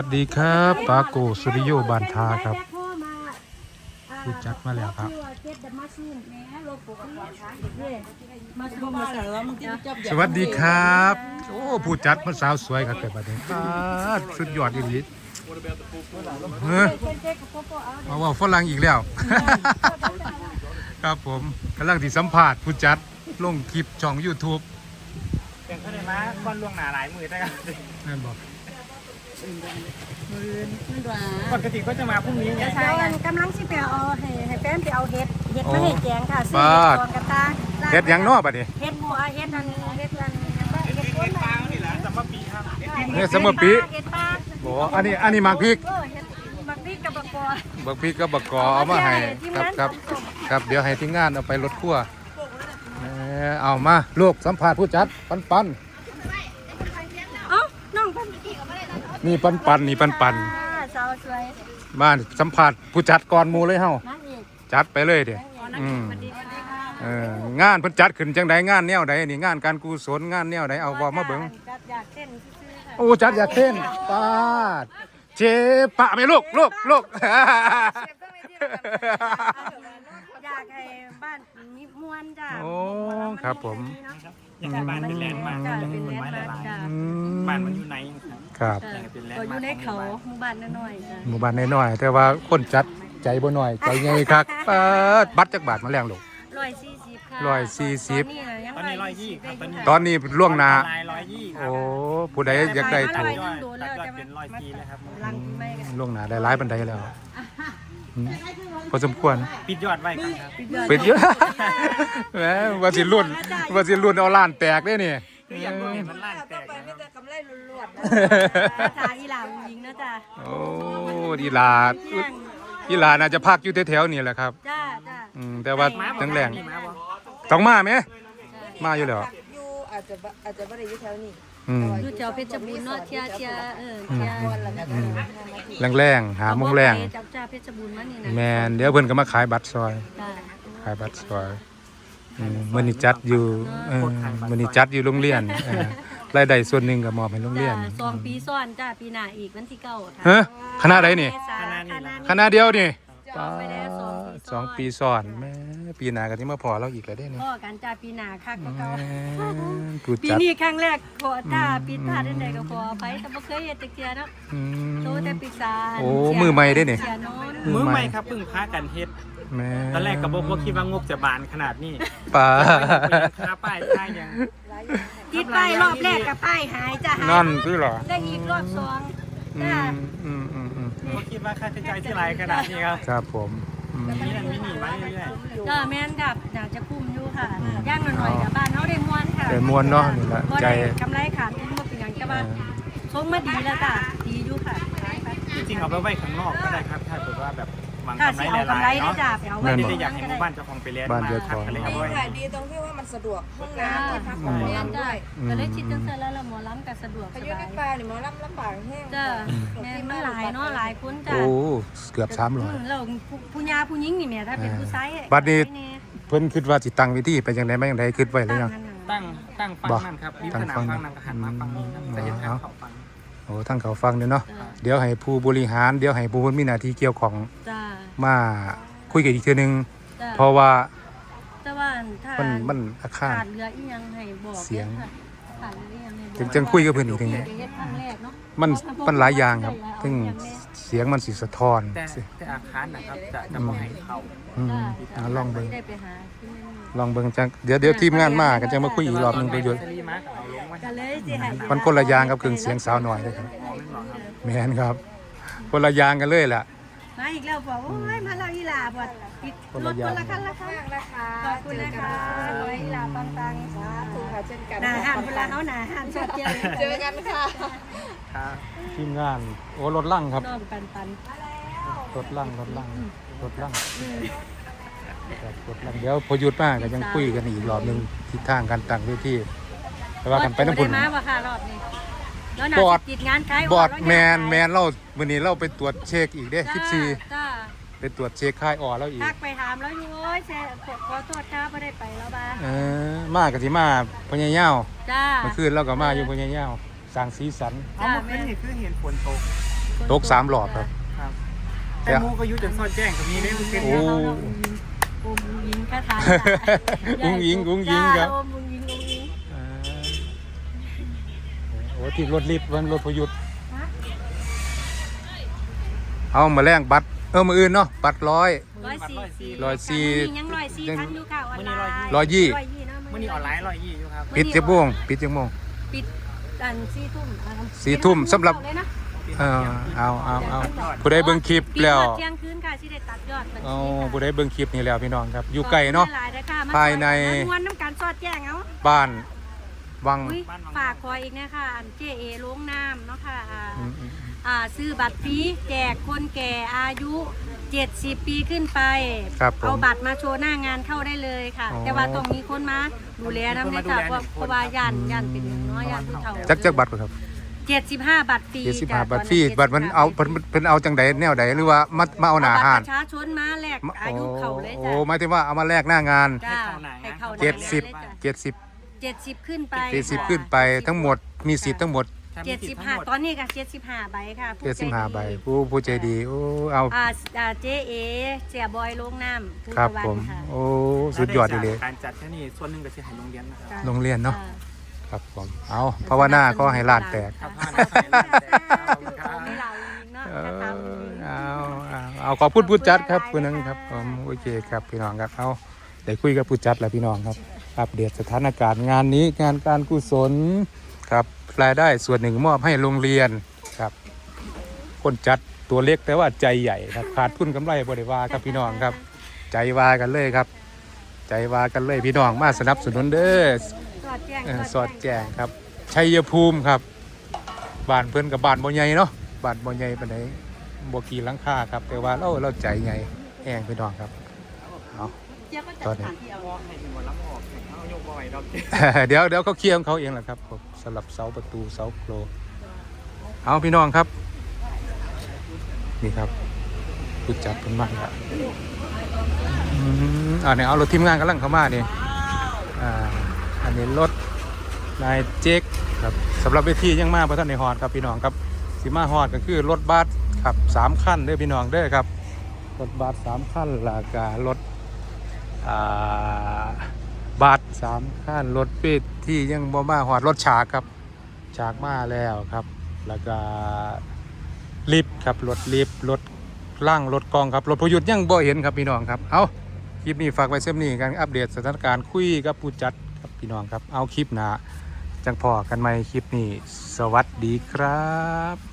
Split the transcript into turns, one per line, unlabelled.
สวัสดีครับปาโกสุริโยบานทาครับผู้จัดมาแล้วครับสวัสดีครับโอ้ผู้จัดมาสาวสวยครับแต่บัดนี้สุดยอดอีหลีเอาว่าฝรั่งอีกแล้วครับผมกำลังที่สัมภาษณ์ผู้จัดลงคลิปช่อง YouTube
เสียงเขาได้มาก้อนล่วงหนาหลายมือได้ครับ
นั่นบอก
ปกติก็จะมาพรุ่งนี้ไง
ใช่กำลังสิไปเอาให้แฟนไปเอาเห็ดมาให้แกงค่ะซื้อเห็ดกองกระตา
เฮ็ดหยังน้อบัดนี้
เห็ดบัวเห็ดอันเห็ดอันเห็ด
เห็ดปลานี่แหละสัมปะปีครับ
เนี่ยสมปี
เห็ดปลา
บ่อันนี้หมากพริก
เห็ดบักพริกกับบักกอ
บักพริกกับบักกอเอามาให้ครับเดี๋ยวให้ทีมงานเอาไปรถครัวเอามาลูกสัมภาษณ์ผู้จัดปัน
เอ้าน้องเพิ่น
นี่ปันนี่ปัน
สาวสวย
มาสัมภาษณ์ผู้จัดก่อนหมู่เลยเฮา
นั่นอีก
จัดไปเลยเด้งานเพิ่นจัดขึ้นจังไดงานแนวใดนี่งานการกุศลงานแนวใดเอาบ่มาเบิ่ง
อยากเต้นซื่อๆค่ะ
โอ้จัดอยากเต้นปาดเจปะไหมลูก
อยากให้บ้านมีมวลจ้ะ
โอ้ครับผม
อยากให้บ้านเป็นแลนด์มาร์คอยากให้ต้นไม้หลายๆบ้านมันอยู่ไหน
ครับ
ก็อยู่ในเขาหมู่บ้านน้อยๆจ้ะ
หมู่บ้านน้อยๆแต่ว่าคนจัดใจบ่น้อยใจใหญ่คักปาดบัตรจักบาทมาแรงลูก
140ค่ะ
140
ตอนนี้120ครับ
ตอนนี้ล่วงหน้า
ลาย120ครั
โอ้
บ
ผู้ใดอยากได้ถูก
ตัดยอดเป็น100 ปีเลยครับ
หลังไม่กัน
ล่วงหน้าได้หลายบันไดแล้วพอสมควร
ปิดยอดไว้กันครับ
เป็นเยอะ แหมว่าสิรุ่นเอาล้านแตกได้นี่
คืออยากรู้เห็นมันล้านแตกนะครับ
จ้าอีหลาหญิงนะจ้า
โอ้อีหลาน่าจะพักอยู่แถวๆนี่แหละครับ
จ้า
แต่ว่าทั้งแรง
มีมาบ่
ต้องมาไหมมาอยู่แล้ว
อยู่อาจจะไม่ได้อยู่แถวนี้
อยู่แถวเพชรบูรณ์เนาะเทีย
แรงหาโมงแรง
จ้าเพชรบูรณ์มานี่นะ
แมนเดี๋ยวเพิ่นก็มาขายบัตรซอย
จ้า
ขายบัตรซอยมื้อนี้จัดอยู่มื้อนี้จัดอยู่โรงเรียนรายได้ส่วนหนึ่งก็มอบให้โรงเรียน
2 ปีซ้อนจ้าปีหน้าอีกวันที่9
ฮะคณะใดนี่คณะเดียวนี่
ไปแล้ว
2 ปีซ้อนแม่ปีหน้าก็สิมาพอเราอีกแล้วเด้นี่
พ่อกันจ้าปีหน้าคักก็เก่า
ผู้
ปี
จัด
นี้ครั้งแรกขอจ้าปีพลาดได้ก็ขอไปแต่บ่เคยเฮ็ดจักเที่ยเนาะโตแต่ปรึกษา
โอ้มือใหม่ได้นี่
เสียนอน
มือใหม่ครับเพิ่งพากันเฮ็ด
แม่
ตอนแรกก็บ่คิดว่างบจะบานขนาดนี้
ป้า
ค่าป้ายค่ายัง
ติดป้ายรอบแรกกับป้ายหายจ้าหาย
นั่นคือเหรอ
ได้อีกรอบ2จ้า
บ่คิดว่าค่าใช้จ่ายที่ไรขนาดนี้ครับ
ครับผม
มีนั่นมีนี่มาเรื่อย
ก็แม่นกับอยากจะคุ้มอยู่ค่ะย่างหน่อยๆกับบ้านเฮาได้ม่วนค่ะ
แต่มวนเนาะนี่แหละ
บ่
ใจ
ได้กำไรขาดทุนบ่เป็นหยังแต่ว่าทรงมาดีแล้วจ้ะดีอยู่ค่ะ
ๆจริงๆเอาไปไว้ข้างนอกก็ได้ครับถ้าเกิดว่าแบบหวัง
ถ้าก
ำ
สิ
ไร
เอา
ห
กำไร
ลายๆ
ได้
เนาะ
จ้ะไปเอาไว้
ไม่ได้อยากให้หมู่บ้านเจ้าของไปเลี้ยงมาพักกันเลยครับ
ดีค่ะดีตรงที่ว่ามันสะดวกห้องน้ำที่พักของหมอลำด้วย
ก็เลยคิดจังซั่นแล้วละหมอลำก็สะดวก
พา
ส
ยุ
บา
ใน
ย
ป่านี่หมอลำลำบากแห้ง
จ้ะแม่นมันหลายเนาะหลายคนจ้ะ
โอ้เกือบ300
แล้วผู้ยาผู้หญิงนี่แม่ถ้าเป็นผู้ชาย
บัดนี้ เพิ่นคิดว่าสิตั้งวิธีไปจังได๋มาจังได๋คิดไว้แล้วยัง
ตั้งฟังนั่นครับริมสนามฟังนั่นก็หันมาฟังนี้ครับจะเห็นทางเขาฟัง
โอ้ทั้งเขาฟังเนาะเดี๋ยวให้ผู้บริหารเดี๋ยวให้ผู้มีหน้าที่เกี่ยวของ
จ้ะ
มาคุยกันอีกเทื่อนึง
จ้ะ
เพราะว่า
แต่ว่าถ้า
มันอาคาร
ขาดเรืออีหยังให้บอก
เสียง
ค่ะขาดเรืออีหยังให้บอก
จังคุยกับเพิ่นอีกทีนี้
เฮ็ดครั้งแรกเนาะ
มันหลายอย่างครับซึ่งเสียงมันสิสะท้อน
แต่อาคารนะครับจะบ่ให้เข้า
ลองเบิ่ง
ได้ไปหาที่นั่น
ลองเบิ่งจังเดี๋ยวทีมงานมาก็จะมาคุยอีกรอบนึงไปอยู่
ซีรีส์มากับเอาลงไว้
ก็เลยสิให้
มันคนละอย่างกับเครื่องเสียงสาวน้อยเลยครับแม่นครับคนละอย่างกันเลยล่ะ
มาอีกแล้วบอกโอ้ยมาเราอีหลาบ่อีก
คน
ร
ละ
ถ
อย่าง
คนละคันละคัน
มากนะคะ
ขอบคุณนะคะขอให้อีหลาปังๆ
สาธุค่ะเช่นกัน
หน้าหันเวลาเฮาหน้าหันสดเจอ
เจอกันค่ะ
ครับ
ทีมงานโอ้รถลั่งครับ
น้องปัน
รถลั่งครับรถลั่งเดี๋ยวพอหยุดมาก็ยังคุยกันอีกรอบนึงทิศทางการตั้งเวทีแต่ว่ากันไปน้ำพุ่น
ได้มาบ่ค่ะรอบนี้แล้วน่า
บอร์ด
สิติดงานขาย
บอร์ด
แล้ว
แมนเราวันนี้เราไปตรวจเช็คอีกเด้
จ้า
14
จ้า
ไปตรวจเช็คค่ายอ่อแล้วอีก
ทักไปถามแล้วอยู่โอ้ยขอโทษครับไม่ได้ไปแล้วบ้า
มากับที่มาพญายาว
จ้า
เมื่อคืนเราก็มาอยู่พญายาวสร้างสีสัน
เอาเมื่อคืนนี่คือเห็นฝนตก
ตก3รอบครับ
ครับแต่หมูก็อยู่จนซอดแจ้งก็มีได้มันเป็น
โอ้
อุ้มยิงคาถา
อุ้งยิงครับ
อุ้มยิง
โอ้ที่รถลิฟต์วันรถพยุทธ์เอามาแลกบัตรมืออื่นเนาะบัตร100
140ยัง140ทันอยู่ค่ะออนไลน์
120
มื้อนี้ออนไลน์120อยู่ครับ
ปิด10 โมงปิด10 โมง
ปิดกัน 4 ทุ่ม
4 ทุ่มสำหรับเอาผู้ใดเบิ่งคลิปแล้ว
เที่ยงคืนค่ะที่ได้ตัดยอด
เอาผู้ใดเบิ่งคลิปนี้แล้วพี่น้องครับอยู่ไกลเนาะ ภายใน
ม้วนน้ำการสอดแจ้งเอา
บ้านวัง
ฝากคอยอีกนะคะอันเจเอโรงน้ำเนาะค่ะ
อืม
ซื้อบัตรฟรีแจกคนแก่อายุ70 ปีขึ้นไป
ครับผม
เอาบัตรมาโชว์หน้างานเข้าได้เลยค่ะ
อ๋อ
แต่ว่าต้องมีคนมาดูแลน้ำในค่ะเพราะว่าย่านเป็นอย่างน้อยย่านผู้เฒ่า
จักบัตรบ่ครับ
75 บัตรฟรี
75บัตรฟรีบัตรมันเอาเพิ่นเอาจังใดแนวใดหรือว่ามาเอาหน้า
บัตร
ห้า
ป
น
ระชาชนมาแลกอายุเขาเลย
โอ้
จ้ะ
หมายถึงว่าเอามาแลกหน้างาน
จ้าให้เข้า
70
70ขึ้นไป
40ขึ้นไปทั้งหมดมีสิทธิ์ทั้งหมด
75ตอนนี้ก็75ใบค่ะผู้ใจดี
75ใบผู้ใจดีโอ้เอา
เจเอเสียบอยโรงน้ำผู้
ครับ
ตะวัน
ผม
ค่ะ
โอ้สุดยอดเลย
การจัดแค่นี้ส่วนหนึ่งก็จะให้โรงเรียนนะครับ
จ้ะ
โรงเรียนเนาะ
จ้
ครับผมเอาภาวนาก็ให้ลาดแตก
ครับ
ไม่เหล่าจริงๆเนาะ
เอ
ถ้า
อ
ทำ
เอาขอบคุณผู้จัดครับผู้นั้นครับผมโอเคครับพี่น้องครับเอาได้คุยกับผู้จัดแล้วพี่น้องครับอัปเดตสถานการณ์งานนี้งานการกุศลครับรายได้ส่วนหนึ่งมอบให้โรงเรียนครับคนจัดตัวเล็กแต่ว่าใจใหญ่ครับขาดทุนกำไรบริวาครับพี่น้องครับใจวากันเลยครับ ใจวากันเลยพี่น้องมาสนับสนุนเด้อ
สอดแจ้ง
สอดแจ้งครับชัยภูมิครับบ้านเพื่อนกับบ้านบ่ใหญ่เนาะบ้านบ่ใหญ่ปานใดบ่กี่หลังคาครับแต่ว่าเราใจใหญ่แห้งพี่น้องครับเอาตอนนี้ เดี๋ยวเขาเคลียร์ของเขาเองแหละครับผมสลับเสาประตูเสาโครเอาพี่น้องครับนี่ครับผู้จัดเป็นมากครับเนี่ยเอารถทีมงานกำลังเข้ามานี่อันนี้รถนายเจ๊กครับสำหรับเวทียังมาพระท่านในฮอดครับพี่น้องครับสิมาฮอดก็คือรถบัสครับ3 คันเด้อพี่น้องเด้อครับรถบัส3 คันแล้วก็รถบัส3 คันรถเวทียังบ่มาฮอดรถฉากครับฉากมาแล้วครับแล้วก็ลิฟต์ครับรถลิฟต์รถล่างรถกองครับรถพยุทธ์ยังบ่เห็นครับพี่น้องครับเอาคลิปนี้ฝากไว้เส้นนี้กันอัปเดตสถานการณ์คุยกับผู้จัดครับพี่น้องครับเอาคลิปหน้าจังพอกันใหม่คลิปนี้สวัสดีครับ